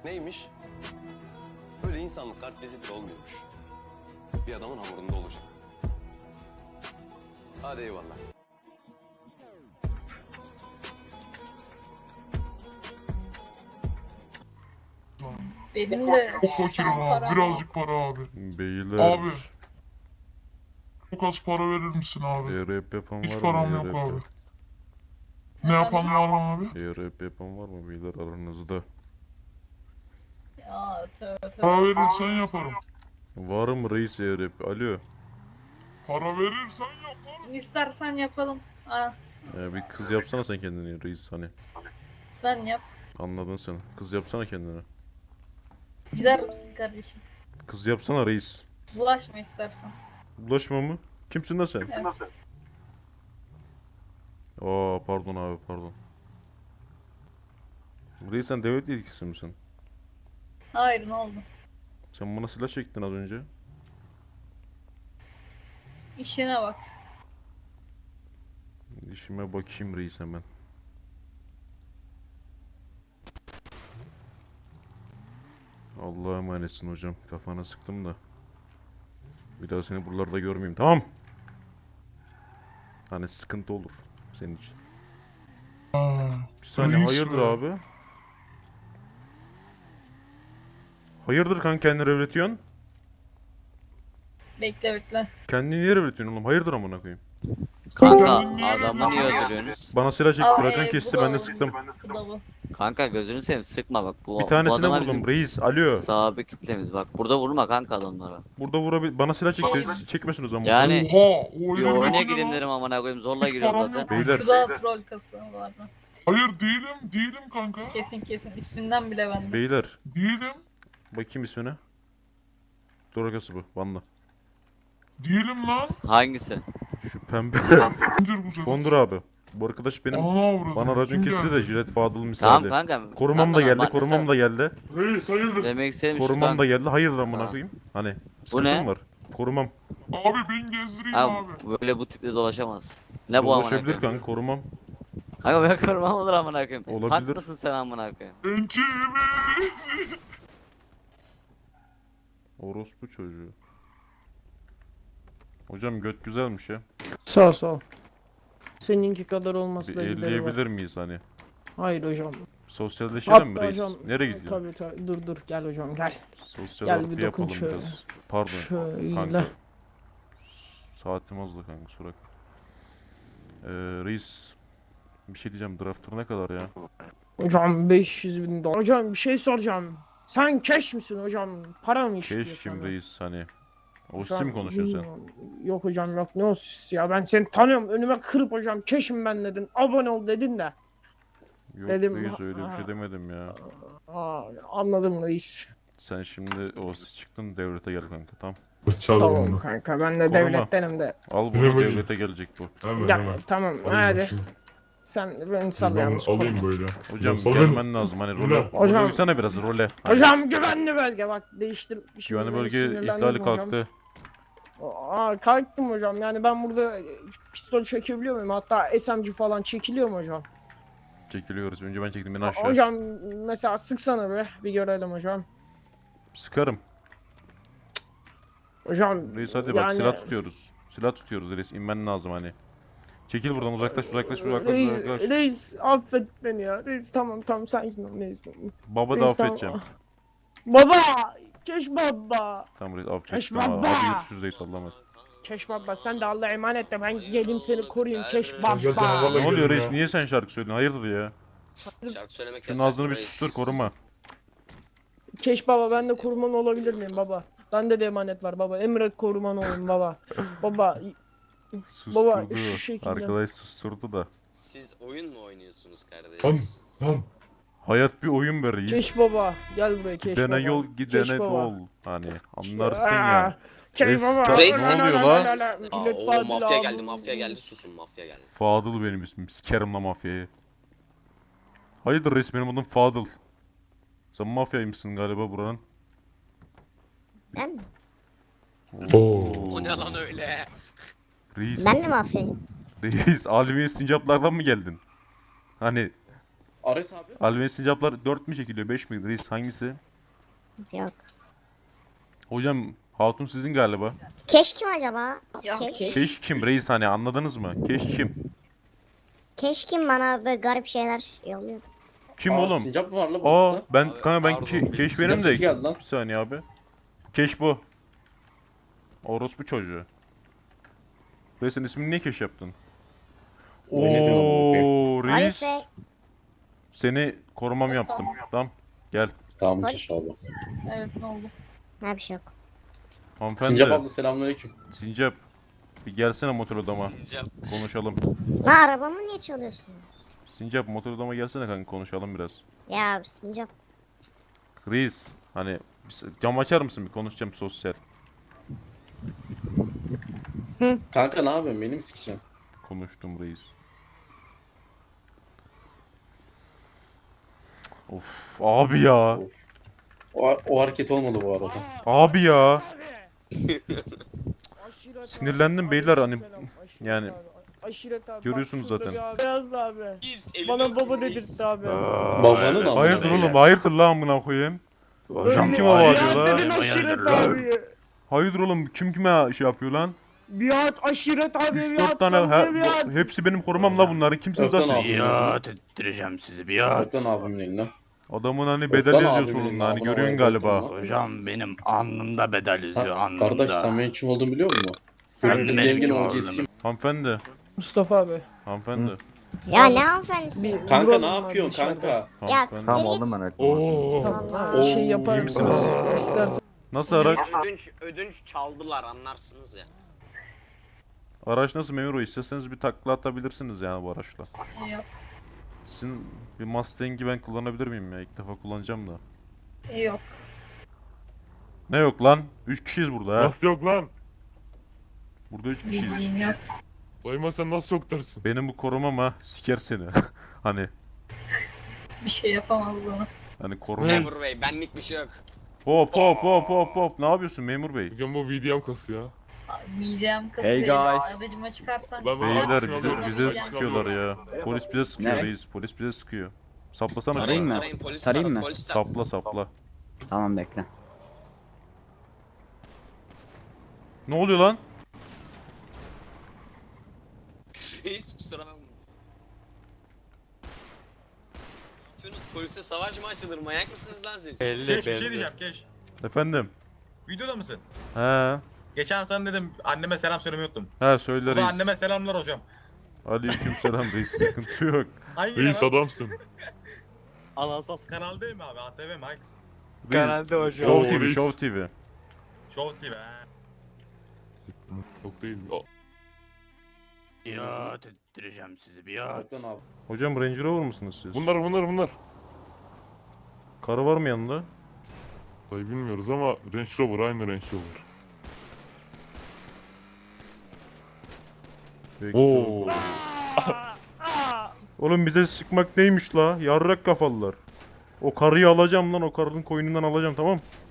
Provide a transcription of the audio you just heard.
Neymiş? Öyle insanlık kart vizitli olmuyormuş. Bir adamın hamurunda olacak. Hadi eyvallah. Benim de Çok fakirim abi. param Birazcık para abi. Beyler. Abi. Çok az para verir misin abi? ERP yapan var Hiç mı? param yok ERP. abi. Ne yapan var mı abi? ERP yapan var mı beyler aranızda? Ya tövbe Para tövbe. verirsen yaparım. Var mı reis ERP? Alo. Para verirsen yaparım. İstersen yapalım. Ha, Bir kız yapsana sen kendini reis hani. sen yap. Anladın sen. Kız yapsana kendine. Gider misin kardeşim? Kız yapsana reis. Bulaşma istersen. Bulaşma mı? Kimsin lan sen? Evet. Aa pardon abi pardon. Reis sen devlet yetkilisi misin? Hayır, ne oldu? Sen bana silah çektin az önce. İşine bak. İşime bakayım reis hemen. Allah'a emanetsin hocam. Kafana sıktım da. Bir daha seni buralarda görmeyeyim, tamam? Hani sıkıntı olur senin için. Bir saniye, reis hayırdır ya. abi? Hayırdır kanka, kendini revretiyorsun? Bekle bekle. Kendini niye revretiyorsun oğlum? Hayırdır amına koyayım? Kanka Kendini niye adamı niye öldürüyorsun? öldürüyorsunuz? Bana silah çekti, Al, Rakan bu kesti, da ben de o, sıktım. Bu da bu. Kanka gözünü seveyim sıkma bak. Bu Bir tanesine adamlar vurdum bizim reis, alo. sabit kitlemiz bak. Burada vurma kanka adamlara. Burada bana silah çekti, Şey- çekmesin o zaman. Yani Oha, o bir öyle oyuna mi gireyim lan? dedim amına koyayım zorla Hiç giriyorum param zaten. yok. Beyler. Şu da troll kası vardı. Hayır değilim kanka. Kesin isminden bile bende. Beyler, Değilim. bakayım ismine. Dorakası bu, Vanla. Değilim lan. Hangisi? Şu pembe. Zincir bu sefer. Fondur abi. Bu arkadaş benim. Ana avradım. Bana racon Kim kesti geldi? de jilet Fadıl Tamam misali. kanka. Korumam da Kanka, geldi, bak korumam da mesela geldi. Reis hayırdır? Demek istedim şu Korumam da kanka. geldi. Hayırdır amına Tamam. koyayım. Hani Bu sıkıntım ne? var. Korumam. Abi ben gezdireyim Abi abi. böyle bu tiple dolaşamaz. Ne bu amına Dolaşabilir koyayım? kanka, korumam. Kanka böyle korumam olur amına koyayım. Olabilir. Tank mısın sen amına koyayım? Ben kimi? Orospu çocuğu. Hocam göt güzelmiş ya. Sağ ol, sağ ol. Seninki kadar olması Bir da gideri var. elleyebilir miyiz hani? Hayır hocam. Sosyalleşelim mi Hatta reis? hocam. Nereye gidiyorsun? Tabii dur gel hocam gel. Sosyal Gel harfi bir dokun yapalım şöyle. biraz. Pardon Şöyle. kanka. Saatim azdı kanka, Surak. Reis. Bir şey diyeceğim, draftır ne kadar ya? Hocam 500 bin dolar. Hocam bir şey soracağım. Sen cash misin hocam? Para mı istiyor Keş sana? kim reis hani? O Hocam, sim mi konuşuyorsun sen? bilmiyorum. Yok hocam yok, ne o sis ya, ben seni tanıyorum, önüme kırıp hocam cash'im ben dedin, abone ol dedin de. Yok Dedim, reis, öyle bir şey ha. demedim ya. Anladım reis. Sen şimdi o çıktın, devlete gel kanka, tamam. Tamam kanka, ben de Koruma. devlettenim de. Al bunu, devlete gelecek bu. Hemen Gel hemen. tamam Alayım hadi. ben şunu. Sen beni sal Ben yalnız. alayım böyle. Hocam Ya sallayın. gelmen lazım hani role. Hocam. Role uysana biraz, role. Hani Hocam güvenli bölge bak, değiştirmişim. güvenli beni, bölge sinirlendim ihlali hocam. kalktı. Kalktım hocam, yani ben burada pistol çekebiliyor muyum? Hatta SMG falan çekiliyor mu hocam? Çekiliyoruz. Önce ben çektim, beni aşağı. Hocam mesela sıksana bir görelim hocam. Sıkarım. Hocam Reis hadi bak, yani- silah tutuyoruz. Silah tutuyoruz reis, inmen lazım hani. Çekil buradan, uzaklaş. Reis affet beni ya. Reis tamam sakin ol reis. Baba da Reis, tamam. affedeceğim. Baba! Keş baba! Tamam reis, Keş affettim ama. baba! Hadi görüşürüz reis, Allah'a emanet. Keş baba, sen de Allah'a emanet de, ben geleyim seni koruyayım Keş Zaten baba! havalı Ne oluyor gidelim reis, ya. niye sen şarkı söylüyorsun? Hayırdır ya? Şarkı söylemek Şunun yasak ağzını bir reis. sustur, koruma. Keş baba, ben de koruman olabilir miyim baba? Bende de emanet var baba. Emret koruman olayım baba. Baba Susturdu. şu şekilde. Arkadaş susturdu da. Siz oyun mu oynuyorsunuz kardeş? Lan lan. Hayat bir oyun be reis. Keş baba gel buraya Keş baba. Gidene yol, Keş gidene baba. dol. Hani anlarsın ya. Keş baba. Reis. Ne oluyor la? Aa, Millet o Fadıl mafya abi. geldi, mafya geldi. Susun, mafya geldi. Fadıl benim ismim. Sikerim la mafyayı. Hayırdır reis, benim adım Fadıl. Sen mafyaymışsın galiba buranın. Ben mi? Oo. O ne lan öyle? Reis. Ben de mafyayım. Reis, alemi istincaplardan mı geldin? Hani Ares abi. Alven sincaplar 4 mü çekiliyor 5 mi? Reis hangisi? Yok. Hocam hatun sizin galiba. Keş kim acaba? Keş. Keş kim reis hani anladınız mı? Keş kim? Keş kim bana böyle garip şeyler yolluyordu. Kim oğlum? Sincap mı var la Aa burada? ben Abi, kanka ben pardon, keş Sincap benim sesi de. geldi lan. Bir saniye abi. Keş bu. Orospu çocuğu. Reisin ismini niye keş yaptın? O ne diyor amına Oo Halis reis. Bey. Seni korumam yaptım. Tamam. Gel. Tamam Polis Keş abla. misiniz? Evet ne oldu? Ha bir şey yok. Hanımefendi. Sincap abla selamünaleyküm. Sincap. Bir gelsene motor odama. Sincap. Konuşalım. Lan arabamı niye çalıyorsun? Sincap motor odama gelsene kanka konuşalım biraz. Ya sincap. Reis. Hani cam açar mısın bir konuşacağım sosyal. Kanka ne yapıyorsun? Beni mi sikeceksin? Konuştum reis. Of abi ya. O hareket olmadı bu arada. Abi ya. Aşiret Sinirlendim abi, beyler, hani aleykümselam. Aşiret yani abi, aşiret abi. görüyorsunuz Bak şurada zaten. bir abi. Beyazlı abi. Bana baba dedirtti abi. Babanın amına. Hayırdır oğlum hayırdır lan amına koyayım. Hocam kime bağırıyor Biat la? dedin aşiret abi. Hayırdır oğlum kim kime şey yapıyor lan? Biat aşiret abi 3-4 biat. tane Sabriye biat. hepsi benim korumam la bunları. Kimsiniz lan Öpten siz? abi. Biat ettireceğim sizi biat. Öpten abimin elinden. Adamın hani Öpten bedel yazıyor abimin solunda hani elinden, görüyorsun abone ol, galiba. öpten lan. Hocam benim alnımda bedel yazıyor alnımda. Kardeş sen benim kim olduğumu biliyor musun? Sen Senin de bir benim gengin kim OG'siyim. Hanımefendi. Mustafa abi. Hanımefendi. Ya ne hanımefendisi? Bir Kanka vuralım ne abi yapıyorsun dışarıda. kanka? Ya Hanımefendi. siktir Tamam git. oldum ben evet. Tamam ha, şey yapar İyi mısın? misiniz? İstersen. Nasıl araç? Ödünç çaldılar anlarsınız ya. Araç nasıl memur bey? İsterseniz bir takla atabilirsiniz yani bu araçla. Yok. Sizin bir Mustang'i ben kullanabilir miyim ya? İlk defa kullanacağım da. Yok. Ne yok lan? 3 kişiyiz burada ha. Nasıl yok lan? Burada 3 kişiyiz. Bildiğin yok. Dayıma sen nasıl yok dersin? Benim bu korumam ha siker seni. hani Bir şey yapamaz bana. hani korumam. Memur bey benlik bir şey yok. Hop hop hop hop hop. Ne yapıyorsun memur bey? Bugün bu VDM kası ya. Midem Hey kasıyor. guys. Aracıma çıkarsan. Ben Beyler Aksini bize alıyorum, bize aksini sıkıyorlar alıyorum. ya. Polis bize sıkıyor Ne? reis. Polis bize sıkıyor. Saplasana şunu. Tarayayım mı? Arayın polis Tarayayım arayın, mı? polis Sapla sapla. Tamam bekle. Ne oluyor lan? Reis kusura bakma. Yapıyorsunuz polise savaş mı açılır manyak mısınız lan siz? Keş bir şey diyeceğim Keş. Efendim. Videoda mısın? He. Geçen sana dedim anneme selam söylemeyi unuttum. He söyle Bu da reis. anneme selamlar hocam. Aleykümselam reis. Sıkıntı yok. Hangi Reis kanal? adamsın. Anasal. Kanal değil mi abi? ATV mi? Hangisi? Reis. Show TV, reis. Show TV. Show TV ha. Yok değil. Biat ettireceğim sizi biat. Öpten abi. Hocam Range Rover mısınız siz? Bunlar. Karı var mı yanında? Dayı bilmiyoruz ama Range Rover aynı Range Rover. Peki. Oo. Oğlum bize sıkmak neymiş la? Yarrak kafalılar. O karıyı alacağım lan, o karının koyunundan alacağım, tamam.